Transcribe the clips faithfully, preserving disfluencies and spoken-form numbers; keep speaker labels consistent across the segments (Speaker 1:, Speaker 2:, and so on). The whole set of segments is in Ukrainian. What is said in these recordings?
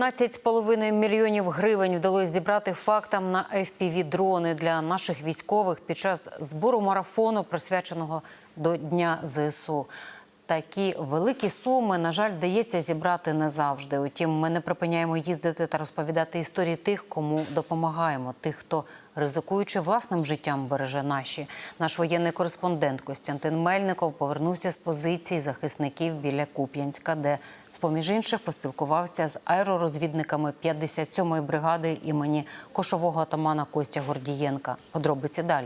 Speaker 1: п'ятнадцять з половиною мільйонів гривень вдалося зібрати фактам на еф пі ві-дрони для наших військових під час збору марафону, присвяченого до Дня зе ес у. Такі великі суми, на жаль, вдається зібрати не завжди. Утім, ми не припиняємо їздити та розповідати історії тих, кому допомагаємо. Тих, хто, ризикуючи власним життям, береже наші. Наш воєнний кореспондент Костянтин Мельников повернувся з позиції захисників біля Куп'янська, де, з-поміж інших, поспілкувався з аеророзвідниками п'ятдесят сьомої бригади імені кошового атамана Костя Гордієнка. Подробиці далі.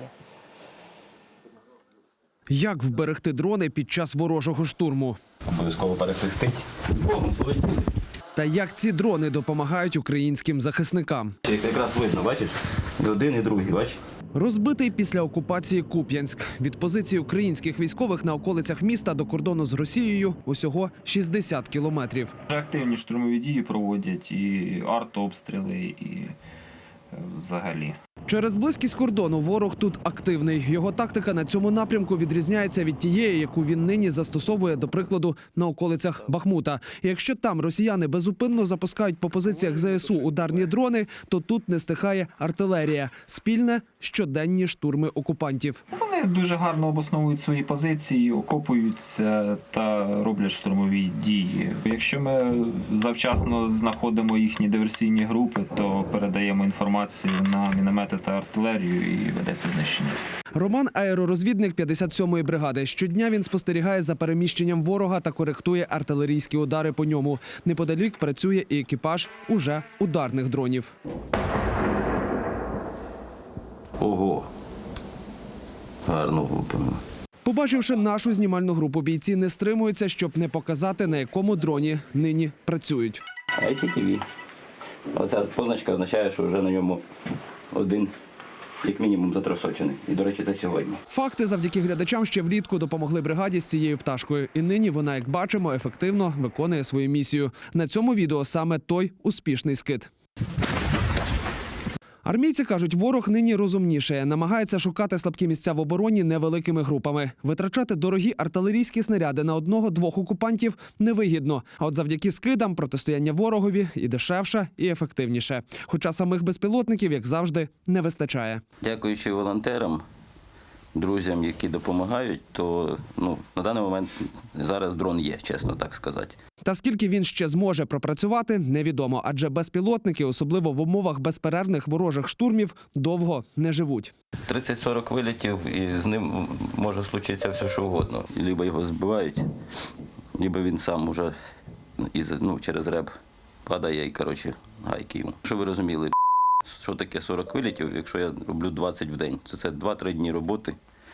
Speaker 2: Як вберегти дрони під час ворожого штурму?
Speaker 3: Обов'язково перехрестить.
Speaker 2: Та як ці дрони допомагають українським захисникам?
Speaker 3: Якраз видно, бачиш? І один, і другий, бачиш?
Speaker 2: Розбитий після окупації Куп'янськ. Від позиції українських військових на околицях міста до кордону з Росією усього шістдесят кілометрів.
Speaker 4: Активні штурмові дії проводять, і артобстріли, і взагалі.
Speaker 2: Через близькість кордону ворог тут активний. Його тактика на цьому напрямку відрізняється від тієї, яку він нині застосовує, до прикладу, на околицях Бахмута. І якщо там росіяни безупинно запускають по позиціях зе ес у ударні дрони, то тут не стихає артилерія. Спільне щоденні штурми окупантів.
Speaker 4: Вони дуже гарно обосновують свої позиції, окопуються та роблять штурмові дії. Якщо ми завчасно знаходимо їхні диверсійні групи, то передаємо інформацію на міномети та артилерію і ведеться знищення.
Speaker 2: Роман – аеророзвідник п'ятдесят сьомої бригади. Щодня він спостерігає за переміщенням ворога та коректує артилерійські удари по ньому. Неподалік працює і екіпаж уже ударних дронів.
Speaker 3: Ого! Гарно влупимо.
Speaker 2: Побачивши нашу знімальну групу, бійці не стримуються, щоб не показати, на якому дроні нині працюють.
Speaker 3: ай сі ті ві. Оця позначка означає, що вже на ньому один, як мінімум, затросочений. І, до речі, це сьогодні.
Speaker 2: Факти завдяки глядачам ще влітку допомогли бригаді з цією пташкою. І нині вона, як бачимо, ефективно виконує свою місію. На цьому відео саме той успішний скид. Армійці кажуть, ворог нині розумніше. Намагається шукати слабкі місця в обороні невеликими групами. Витрачати дорогі артилерійські снаряди на одного-двох окупантів невигідно. А от завдяки скидам протистояння ворогові і дешевше, і ефективніше. Хоча самих безпілотників, як завжди, не вистачає.
Speaker 3: Дякуючи волонтерам, друзям, які допомагають, то ну, на даний момент зараз дрон є, чесно так сказати.
Speaker 2: Та скільки він ще зможе пропрацювати, невідомо. Адже безпілотники, особливо в умовах безперервних ворожих штурмів, довго не живуть.
Speaker 3: тридцять-сорок вилітів, і з ним може случитися все, що угодно. Либо його збивають, либо він сам уже із, ну, через реб падає і, коротше, гайки йому. Щоб ви розуміли, що таке сорок вилітів, якщо я роблю двадцять в день, то це два-три дні роботи.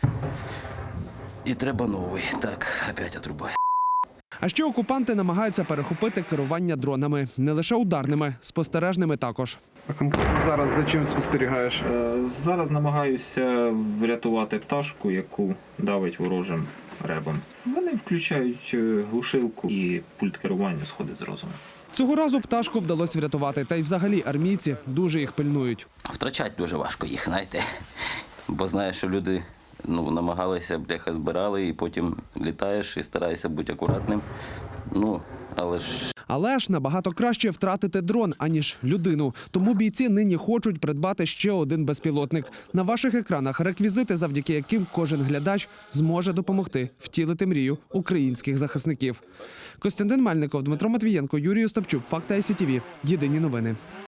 Speaker 3: І треба новий. Так, опять отрубає.
Speaker 2: А ще окупанти намагаються перехопити керування дронами. Не лише ударними, спостережними також.
Speaker 5: А конкретно зараз за чим спостерігаєш?
Speaker 4: Е, Зараз намагаюся врятувати пташку, яку давить ворожим ребом. Вони включають е, глушилку, і пульт керування сходить з розуму.
Speaker 2: Цього разу пташку вдалося врятувати. Та й взагалі армійці дуже їх пильнують.
Speaker 3: Втрачати дуже важко їх, знаєте. Бо знаєш, що люди ну, намагалися, бляха, збирали, і потім літаєш і стараєшся бути акуратним. Ну, але ж...
Speaker 2: Але ж набагато краще втратити дрон, аніж людину. Тому бійці нині хочуть придбати ще один безпілотник. На ваших екранах реквізити, завдяки яким кожен глядач зможе допомогти втілити мрію українських захисників. Костянтин Мельников, Дмитро Матвієнко, Юрій Остапчук. Факти ай сі ті ві. Єдині новини.